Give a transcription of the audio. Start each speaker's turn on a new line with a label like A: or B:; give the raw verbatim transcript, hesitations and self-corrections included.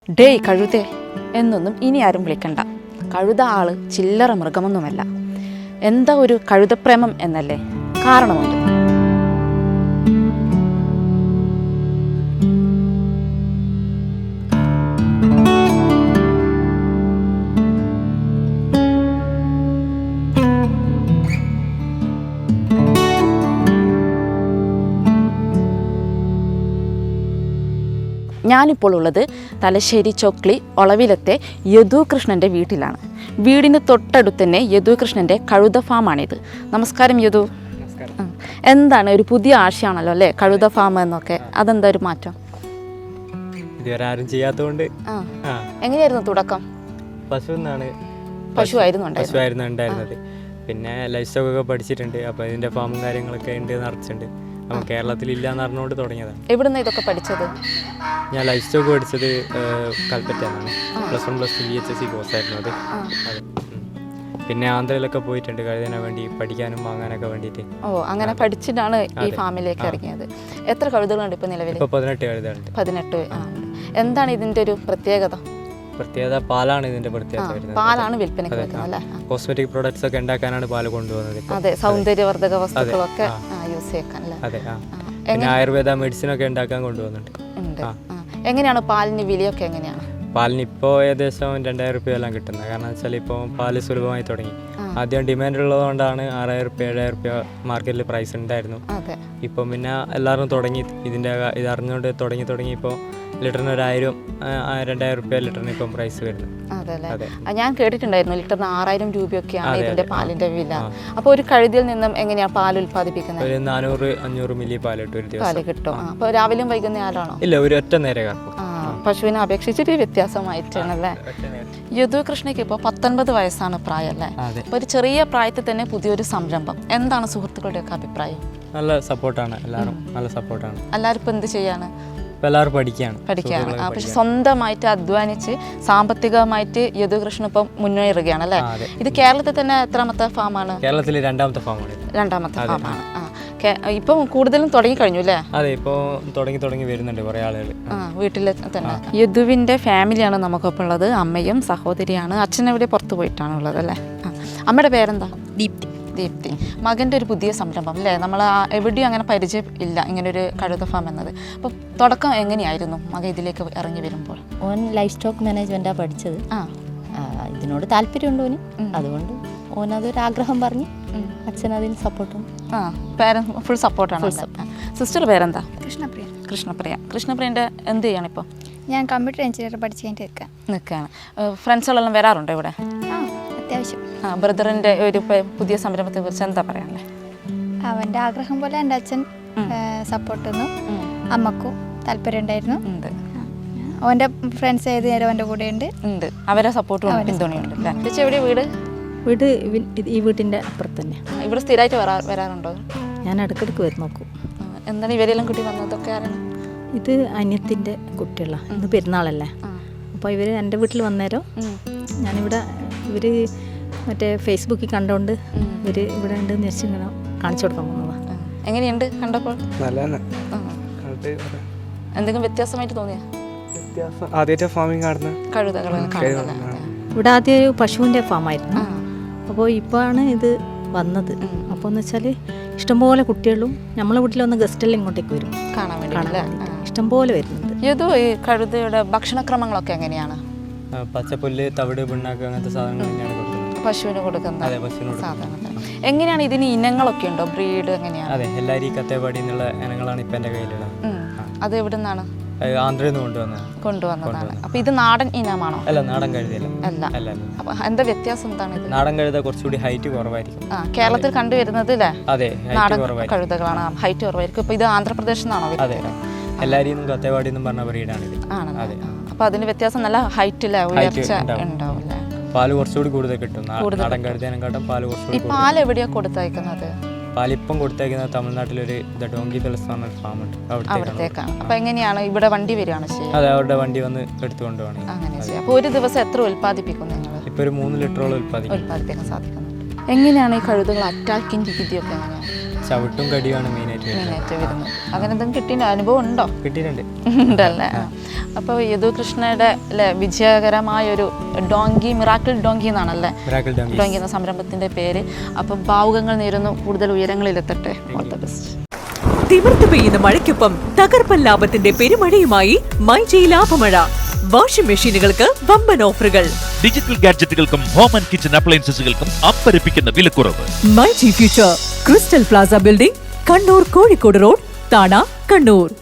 A: ഡേയ് കഴുതേ എന്നൊന്നും ഇനി ആരും വിളിക്കണ്ട. കഴുത ആള് ചില്ലറ മൃഗമൊന്നുമല്ല. എന്താ ഒരു കഴുതപ്രേമം എന്നല്ലേ? കാരണമുണ്ട്. ഞാനിപ്പോൾ ഉള്ളത് തലശ്ശേരി ചൊക്ലി ഒളവിലത്തെ യദുകൃഷ്ണൻ്റെ വീട്ടിലാണ്. വീടിന് തൊട്ടടുത്ത് തന്നെ യദുകൃഷ്ണൻ്റെ കഴുത ഫാമാണിത്. നമസ്കാരം യദു. എന്താണ് ഒരു പുതിയ ആശയമാണല്ലോ അല്ലേ കഴുത ഫാം എന്നൊക്കെ? അതെന്താ ഒരു മാറ്റം?
B: ഇതുവരെ ആരും ചെയ്യാത്തതുകൊണ്ട്.
A: എങ്ങനെയായിരുന്നു തുടക്കം?
B: പശു എന്നാണ്
A: പശു ആയിരുന്നു
B: പശുവായിരുന്നു ഉണ്ടായിരുന്നത്. പിന്നെ ലൈഫ് സ്റ്റോക്ക് ഒക്കെ പഠിച്ചിട്ടുണ്ട്. അപ്പോൾ ഇതിൻ്റെ ഫാമും കാര്യങ്ങളൊക്കെ ഉണ്ട്, നിറച്ചിട്ടുണ്ട്. അപ്പം കേരളത്തിലില്ല എന്ന് പറഞ്ഞുകൊണ്ട് തുടങ്ങിയതാണ്.
A: എവിടുന്ന് ഇതൊക്കെ പഠിച്ചത്?
B: ഞാൻ ലൈഫ് സ്റ്റോക്ക് പഠിച്ചത് കൽപ്പറ്റയാണ്. Plus one plus two B H S C കോഴ്സായിരുന്നു അത്. അതെ. പിന്നെ ആന്ധ്രയിലൊക്കെ പോയിട്ടുണ്ട് കഴുതനെ വേണ്ടി പഠിക്കാനും വാങ്ങാനൊക്കെ വേണ്ടിയിട്ട്.
A: ഓ, അങ്ങനെ പഠിച്ചിട്ടാണ് ഈ ഫാമിലേക്ക് ഇറങ്ങിയത്. എത്ര കഴുതകളുണ്ട് ഇപ്പോൾ നിലവിൽ?
B: ഇപ്പോൾ പതിനെട്ട് കഴുതകളുണ്ട്.
A: പതിനെട്ട്. എന്താണ് ഇതിൻ്റെ ഒരു പ്രത്യേകത?
B: പ്രത്യേകത പാലാണ് ഇതിന്റെ പ്രത്യേകത വരുന്നത്.
A: പാലാണ് വിൽപ്പനയ്ക്ക് വെക്കുന്നത് അല്ലേ?
B: കോസ്മെറ്റിക് പ്രോഡക്ട്സ് ഒക്കെ ഉണ്ടാക്കാനാണ് പാല് കൊണ്ടുപോകുന്നത്.
A: അതെ, സൗന്ദര്യവർദ്ധക വസ്തുക്കളൊക്കെ യൂസ് ചെയ്യാൻ.
B: അതെ. പിന്നെ ആയുർവേദ മെഡിസിൻ ഒക്കെ ഉണ്ടാക്കാൻ കൊണ്ടുപോകുന്നുണ്ട്.
A: എങ്ങനെയാണ് പാലിന് വിലയൊക്കെ എങ്ങനെയാണ്?
B: പാലിന് ഇപ്പോൾ ഏകദേശം രണ്ടായിരം റുപ്യ എല്ലാം കിട്ടുന്നത്. കാരണം വെച്ചാൽ ഇപ്പോൾ പാല് സുലഭമായി തുടങ്ങി. ആദ്യം ഡിമാൻഡ് ഉള്ളതുകൊണ്ടാണ് ആറായിരം റുപ്യ ഏഴായിരം റുപ്യ മാർക്കറ്റിൽ പ്രൈസ് ഉണ്ടായിരുന്നു. ഇപ്പം പിന്നെ എല്ലാവരും തുടങ്ങി ഇതിൻ്റെ ഇത് അറിഞ്ഞുകൊണ്ട് തുടങ്ങി തുടങ്ങി ഇപ്പോൾ ലിറ്ററിന് ഒരായിരം രണ്ടായിരം റുപ്യ ലിറ്ററിന് ഇപ്പം പ്രൈസ് വരുന്നത്.
A: അതെ, ഞാൻ കേട്ടിട്ടുണ്ടായിരുന്നു ലിറ്ററിന് ആറായിരം രൂപയൊക്കെയാണ് ഇതിന്റെ പാലിന്റെ വില. അപ്പോൾ ഒരു കഴുതിയിൽ നിന്നും എങ്ങനെയാണ് പാൽ ഉൽപ്പാദിപ്പിക്കുന്നത്?
B: ഒരു നാനൂറ് അഞ്ഞൂറ് മില്ലി പാൽ കിട്ടും ഒരു ദിവസം.
A: പാല് കിട്ടും. അപ്പോൾ രാവിലെയും വൈകുന്നേരമാണോ?
B: ഇല്ല, ഒരു ഒറ്റ നേരം കറക്കും.
A: പശുവിനെ അപേക്ഷിച്ചിട്ട് വ്യത്യാസമായിട്ടാണല്ലേ? യദുകൃഷ്ണയ്ക്ക് ഇപ്പോൾ പത്തൊൻപത് വയസ്സാണ് പ്രായം അല്ലേ? അപ്പോൾ ഒരു ചെറിയ പ്രായത്തിൽ തന്നെ പുതിയൊരു സംരംഭം. എന്താണ് സുഹൃത്തുക്കളുടെയൊക്കെ അഭിപ്രായം?
B: നല്ല സപ്പോർട്ടാണ്, എല്ലാവരും നല്ല സപ്പോർട്ടാണ്.
A: എല്ലാവരും ഇപ്പോൾ എന്ത് ചെയ്യാണ്?
B: എല്ലാവരും പഠിക്കുകയാണ്
A: പഠിക്കുകയാണ് പക്ഷെ സ്വന്തമായിട്ട് അധ്വാനിച്ച് സാമ്പത്തികമായിട്ട് യദുകൃഷ്ണൻ ഇപ്പം മുന്നേറുകയാണ് അല്ലേ? ഇത് കേരളത്തിൽ തന്നെ എത്രാമത്തെ ഫാമാണ്?
B: കേരളത്തിൽ രണ്ടാമത്തെ ഫാമാണ്.
A: രണ്ടാമത്തെ ഫാമാണ്. ഇപ്പം കൂടുതലും തുടങ്ങി കഴിഞ്ഞു അല്ലേ?
B: അതെ, ഇപ്പോൾ തുടങ്ങി തുടങ്ങി വരുന്നുണ്ട് കുറേ ആളുകൾ.
A: ആ, വീട്ടിൽ തന്നെ. യദുവിൻ്റെ ഫാമിലിയാണ് നമുക്കൊപ്പം ഉള്ളത്. അമ്മയും സഹോദരിയാണ്. അച്ഛനെവിടെ പുറത്ത് പോയിട്ടാണ് ഉള്ളത് അല്ലേ? ആ, അമ്മയുടെ പേരെന്താ?
C: ദീപ്തി.
A: ദീപ്തി. മകൻ്റെ ഒരു പുതിയ സംരംഭം അല്ലേ? നമ്മൾ എവിടെയും അങ്ങനെ പരിചയം ഇല്ല ഇങ്ങനൊരു കഴുത ഫാം എന്നത്. അപ്പോൾ തുടക്കം എങ്ങനെയായിരുന്നു മകൻ ഇതിലേക്ക് ഇറങ്ങി വരുമ്പോൾ?
C: ഓൻ ലൈഫ് സ്റ്റോക്ക് മാനേജ്മെൻറ്റാണ് പഠിച്ചത്. ആ, ഇതിനോട് താല്പര്യമുണ്ട് ഓന്. അതുകൊണ്ട് ഓനതൊരാഗ്രഹം പറഞ്ഞ് അച്ഛനതിന് സപ്പോർട്ടും.
A: ആ, പേരൻസ് ഫുൾ സപ്പോർട്ടാണ്. സിസ്റ്റർ പേരെന്താ?
D: കൃഷ്ണപ്രിയ.
A: കൃഷ്ണപ്രിയ. കൃഷ്ണപ്രിയൻ്റെ എന്ത് ചെയ്യാണ് ഇപ്പോൾ?
D: ഞാൻ കമ്പ്യൂട്ടർ എഞ്ചിനീയർ പഠിച്ച് കഴിഞ്ഞിട്ട് നിൽക്കാം
A: നിൽക്കുകയാണ്. ഫ്രണ്ട്സുകളെല്ലാം വരാറുണ്ടോ ഇവിടെ?
D: ആ, അത്യാവശ്യം.
A: ആ, ബ്രദറിൻ്റെ ഒരു പുതിയ സംരംഭത്തെ കുറിച്ച് എന്താ പറയാനുള്ളത്?
D: അവൻ്റെ ആഗ്രഹം പോലെ എൻ്റെ അച്ഛൻ സപ്പോർട്ട് തന്നു. അമ്മക്കും താല്പര്യം ഉണ്ടായിരുന്നു.
A: ഉണ്ട്.
D: അവൻ്റെ ഫ്രണ്ട്സ് ഏത് നേരം അവൻ്റെ കൂടെ ഉണ്ട്
A: ഉണ്ട് അവരെ സപ്പോർട്ടും പിന്തുണയുണ്ട് അല്ലേ? ചേച്ചി എവിടെയാണ് വീട്?
C: വീട് ഈ വീട്ടിൻ്റെ അപ്പുറത്ത് തന്നെ.
A: ഇവിടെ സ്ഥിരമായിട്ട് വരാ വരാറുണ്ടോ?
C: ഞാൻ ഇടയ്ക്കിടയ്ക്ക് വരും നോക്കും.
A: എന്താണ് ഇവരെല്ലാം കുട്ടി വന്നതൊക്കെ? ആരാണ്
C: ഇത്? അനിയത്തിൻ്റെ കുട്ടികളാണ്. ഇന്ന് പെരുന്നാളല്ലേ, അപ്പോൾ ഇവർ എൻ്റെ വീട്ടിൽ വന്നേരം ഞാനിവിടെ ഇവർ മറ്റേ ഫേസ്ബുക്കിൽ കണ്ടുകൊണ്ട് ഇവർ ഇവിടെ ഉണ്ട് വെച്ച് ഇങ്ങനെ കാണിച്ചു കൊടുക്കാൻ പോകുന്നതാണ്.
A: എങ്ങനെയുണ്ട് കണ്ടപ്പോൾ?
E: നല്ലതാണ്.
A: എന്തെങ്കിലും വ്യത്യാസമായിട്ട് തോന്നിയാ?
E: ആദ്യമായിട്ട് ഫാമിങ് കാണുന്നത്
A: കഴുതകൾ.
C: ഇവിടെ ആദ്യം ഒരു പശുവിൻ്റെ ഫാമായിരുന്നു. അപ്പോൾ ഇപ്പോഴാണ് ഇത് വന്നത്. അപ്പോൾ എന്ന് വെച്ചാൽ ഇഷ്ടംപോലെ കുട്ടികളും നമ്മളെ വീട്ടിൽ വന്ന ഗസ്റ്റെല്ലാം ഇങ്ങോട്ടേക്ക് വരും
A: കാണാൻ വേണ്ടി.
C: ഇഷ്ടംപോലെ വരുന്നുണ്ട്.
A: ഏതോ ഈ കഴുതയുടെ ഭക്ഷണക്രമങ്ങളൊക്കെ എങ്ങനെയാണ്?
B: പച്ചപ്പുല്ല്, തവിട്, പിണ്ണാക്ക് അങ്ങനത്തെ സാധനങ്ങൾ തന്നെയാണ് കൊടുക്കുന്നത്.
A: പശുവിന് കൊടുക്കുന്നത് സാധാരണ. എങ്ങനെയാണ് ഇതിന് ഇനങ്ങളൊക്കെ ഉണ്ടോ? ബ്രീഡ് എങ്ങനെയാണ്?
B: അതെ, എല്ലാവരും കത്തേപാടി എന്നുള്ള ഇനങ്ങളാണ് ഇപ്പം എൻ്റെ കയ്യിലുള്ളത്.
A: അത് എവിടെ നിന്നാണ്?
B: ആന്ധ്രയിൽ നിന്ന് കൊണ്ടുവന്നത്
A: കൊണ്ടുവന്നതാണ്. അപ്പൊ ഇത് നാടൻ ഇനമാണോ?
B: അല്ല, നാടൻ കഴുതയല്ല.
A: അല്ല അല്ല. അപ്പൊ എന്താ വ്യത്യാസം എന്താണ്? ഇത്
B: നാടൻ കഴുത കുറച്ചുകൂടി ഹൈറ്റ് കുറവായിരിക്കും.
A: ആ, കേരളത്തിൽ കണ്ടുവരുന്നത് അല്ലേ?
B: അതെ,
A: നാടൻ കഴുതകളാണ്, ഹൈറ്റ് കുറവായിരിക്കും. ഇപ്പൊ ഇത് ആന്ധ്രാപ്രദേശിൽ നിന്നാണോ?
B: അതെ, എല്ലാവരും കത്തേപാടി എന്നും പറഞ്ഞ ബ്രീഡാണ് ഇത്.
A: അതെ. അപ്പൊ അതിന്റെ വ്യത്യാസം നല്ല ഹൈറ്റില്ല ഉയർച്ച ഉണ്ടാവും.
B: പാല് കുറച്ചുകൂടി കൂടുതൽ കിട്ടും നാടൻ കഴുതേനെക്കാട്ടും. പാല് കുറച്ചുകൂടി.
A: ഈ പാൽ എവിടെയാ കൊടുത്തയക്കുന്നത്?
B: പാലിപ്പം കൊടുത്തേക്കുന്നത് തമിഴ്നാട്ടിലൊരു ഡോങ്കി തുളസ് പറഞ്ഞ ഫാമുണ്ട്,
A: അവിടത്തേക്കാണ്. അപ്പൊ എങ്ങനെയാണ് ഇവിടെ വണ്ടി വരികയാണ് ചെയ്യുക?
B: അതെ, അവരുടെ വണ്ടി വന്ന് എടുത്തുകൊണ്ട് പോകണം.
A: അങ്ങനെ ചെയ്യാം. അപ്പോൾ ഒരു ദിവസം എത്ര ഉൽപ്പാദിപ്പിക്കും നിങ്ങൾ?
B: ഇപ്പോൾ ഒരു മൂന്ന് ലിറ്ററോളം ഉൽപ്പാദിക്കും
A: ഉൽപ്പാദിപ്പിക്കാൻ സാധിക്കുന്നുണ്ട്. എങ്ങനെയാണ് ഈ കഴുതകൾ അറ്റാക്കിങ് രീതിയൊക്കെ എങ്ങനെയാണ്?
B: ചവിട്ടും കടിയുമാണ് മെയിനായിട്ട് വരുന്നത്.
A: മെയിനായിട്ട് വരുന്നത്. അങ്ങനെ എന്തെങ്കിലും കിട്ടിയ അനുഭവം ഉണ്ടോ?
B: കിട്ടിയിട്ടുണ്ട്.
A: ഉണ്ടല്ലേ. അപ്പോൾ യദു കൃഷ്ണയുടെ അല്ലേ വിജയകരമായ ഒരു ഡോങ്കി മിറാക്കിൾ ഡോങ്കി എന്നാണല്ലേ
B: മിറാക്കിൾ ഡോങ്കി
A: ഡോങ്കി എന്ന സംരംഭത്തിൻ്റെ പേര്. അപ്പം ഭാവുകങ്ങൾ നേരുന്നു കൂടുതൽ ഉയരങ്ങളിലെത്തട്ടെ. All the best.
F: തിമിർത്ത് പെയ്യുന്ന മഴയ്ക്കൊപ്പം തകർപ്പൻ ലാഭത്തിന്റെ പെരുമഴയുമായി മൈജി ലാഭമഴ. വാഷിംഗ് മെഷീനുകൾക്ക് വമ്പൻ ഓഫറുകൾ.
G: ഡിജിറ്റൽ ഗാഡ്ജറ്റുകൾക്കും ഹോം ആൻഡ് കിച്ചൺ അപ്ലയൻസസുകൾക്കും അമ്പരപ്പിക്കുന്ന വിലക്കുറവ്.
F: MyG future crystal plaza building, Kannur Kozhikode road, Thana, Kannur.